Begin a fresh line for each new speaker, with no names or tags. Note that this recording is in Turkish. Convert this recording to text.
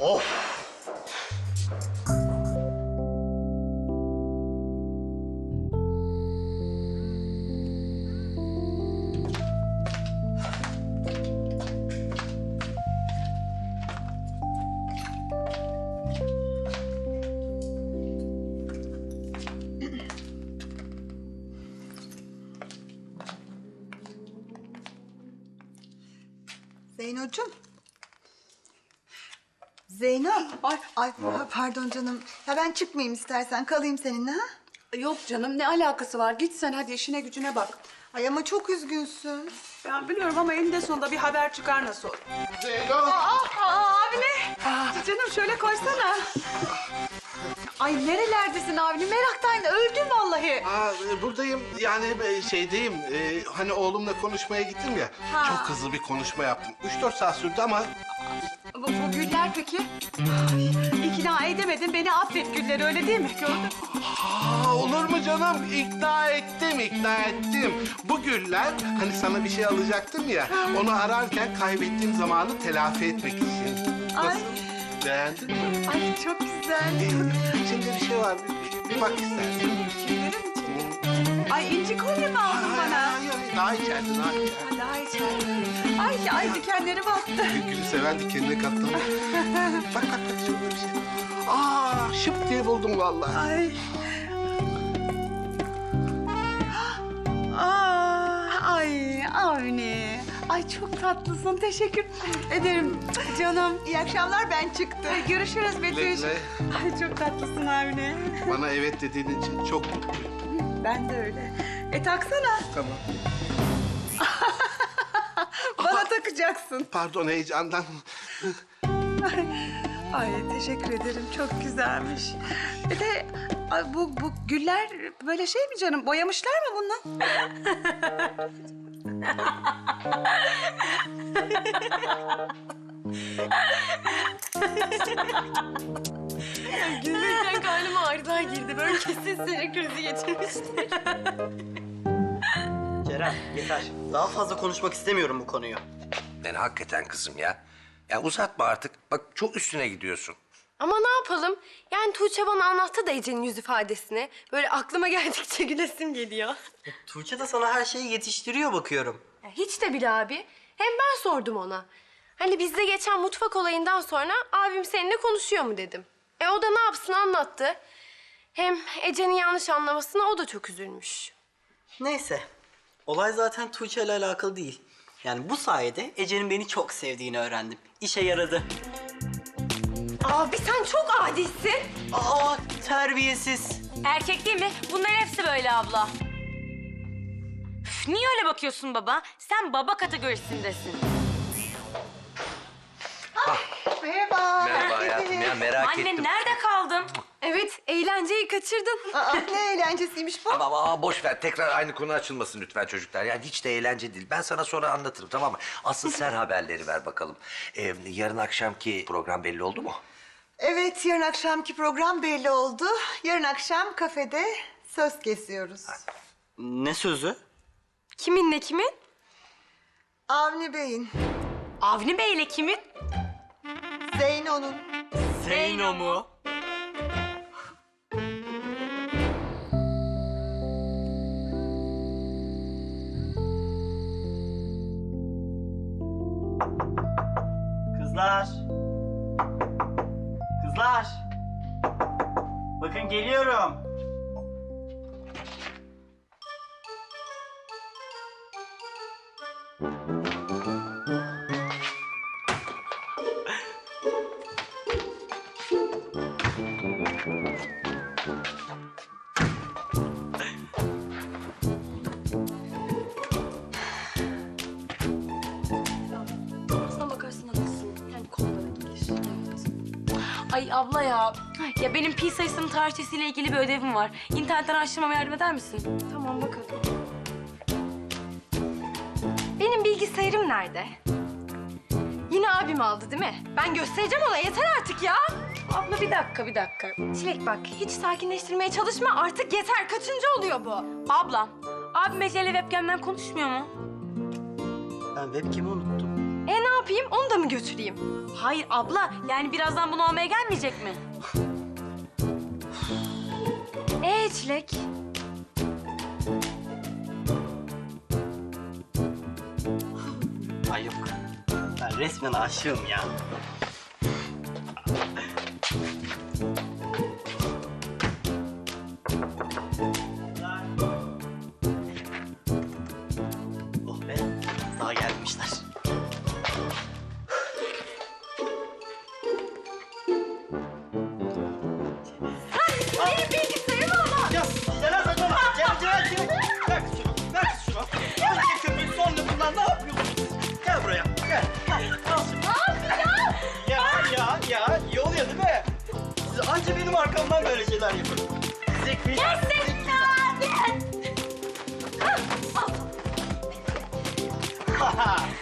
Of!
Zeynocuğum. Zeyno. Ay pardon canım. Ya ben çıkmayayım istersen kalayım seninle ha?
Yok canım, ne alakası var? Git sen hadi işine gücüne bak.
Ay ama çok üzgünsün.
Ben biliyorum ama eninde sonunda bir haber çıkar nasıl olur.
Zeyno!
Avni.
Canım şöyle koysana. Ay nerelerdesin Avni? Meraktan öldüm vallahi.
Buradayım. Yani şeydeyim. Hani oğlumla konuşmaya gittim ya. Çok hızlı bir konuşma yaptım. 3-4 saat sürdü ama...
Bu Güller peki? İkna edemedin, beni affet Güller, öyle değil mi? Gördün mü?
Olur mu canım? İkna ettim. Bu güller, hani sana bir şey alacaktım ya... ...onu ararken kaybettiğim zamanı telafi etmek için. Nasıl?
Ay.
Beğendin mi?
Ay çok güzel.
İçinde bir şey var. Bir bak istersen.
Güllerin içinde. Ay inci kolye mi aldın bana?
Daha içeride.
Daha içeride. Ay dikenleri battı.
Gülü seven dikenine katlanır. bak şurada bir şey. Şıp diye buldum vallahi.
Ay Avni. Ay çok tatlısın. Teşekkür ederim canım.
İyi akşamlar ben çıktım.
Görüşürüz Betüş.
Güle.
Ay çok tatlısın Avni.
Bana evet dediğin için çok mutluyum.
Ben de öyle. Taksana.
Tamam.
Bana takacaksın.
Pardon heyecandan.
Ay teşekkür ederim. Çok güzelmiş. Bir de ay, bu güller böyle şey mi canım? Boyamışlar mı bunu?
Gülmekten karnıma ağrılar girdi. Böyle kesin sinir krizi geçirmişti.
Ceren yeter. Daha fazla konuşmak istemiyorum bu konuyu.
Yani hakikaten kızım ya. Ya uzatma artık. Bak çok üstüne gidiyorsun.
Ama ne yapalım? Yani Tuğçe bana anlattı da Ece'nin yüz ifadesini. Böyle aklıma geldikçe gülesim geliyor.
Tuğçe de sana her şeyi yetiştiriyor bakıyorum.
Ya hiç de bile abi. Hem ben sordum ona. Hani bizde geçen mutfak olayından sonra abim seninle konuşuyor mu dedim. O da ne yapsın anlattı. Hem Ece'nin yanlış anlamasına o da çok üzülmüş.
Neyse. Olay zaten Tuğçe ile alakalı değil. Yani bu sayede Ece'nin beni çok sevdiğini öğrendim. İşe yaradı.
Abi sen çok adisin.
Terbiyesiz.
Erkek değil mi? Bunların hepsi böyle abla. Üf, niye öyle bakıyorsun baba? Sen baba kategorisindesin.
Merhaba.
Merhaba hayatım ya merak
Anne
ettim.
nerede kaldın?
Evet, eğlenceyi kaçırdın.
Ne eğlencesiymiş bu?
Ama boş ver. Tekrar aynı konu açılmasın lütfen çocuklar. Yani hiç de eğlence değil. Ben sana sonra anlatırım tamam mı? Asıl sen haberleri ver bakalım. Yarın akşamki program belli oldu mu?
Evet yarın akşamki program belli oldu. Yarın akşam kafede söz kesiyoruz.
Ne sözü?
Kiminle kimin?
Avni Bey'in,
Avni Bey ile kimin?
Zeyno'nun.
Zeyno mu? Kızlar. Kızlar. Bakın geliyorum.
Aslına bakarsın haklısın. Yani konulara gelir.
Ay abla ya. Ya benim pi sayısının tarihçesiyle ilgili bir ödevim var. İnternetten araştırmama yardım eder misin?
Tamam bakalım. Benim bilgisayarım nerede? Yine abim aldı değil mi? Ben göstereceğim ona yeter artık ya. Abla bir dakika. Çilek bak hiç sakinleştirmeye çalışma artık yeter. Kaçıncı oluyor bu?
Abla, abim Ece'yle webcam'den konuşmuyor mu?
Ben webcam'i unuttum.
Ne yapayım? Onu da mı götüreyim?
Hayır abla, yani birazdan bunu almaya gelmeyecek mi?
Çilek.
Ay yok. Ben resmen aşığım ya. Oh be, daha gelmişler.
Benim bilgisayarımı ama.
Ya Ceren saçmalama. Ceren. Ver kız şunu. Ver kız şunu. Önce köpüğü sonra bunlar ne yapıyorsunuz? Gel buraya. Gel. Al şunu. Ya. İyi oluyor değil mi? Siz anca benim arkamdan böyle şeyler yapın. Zeki. Haha.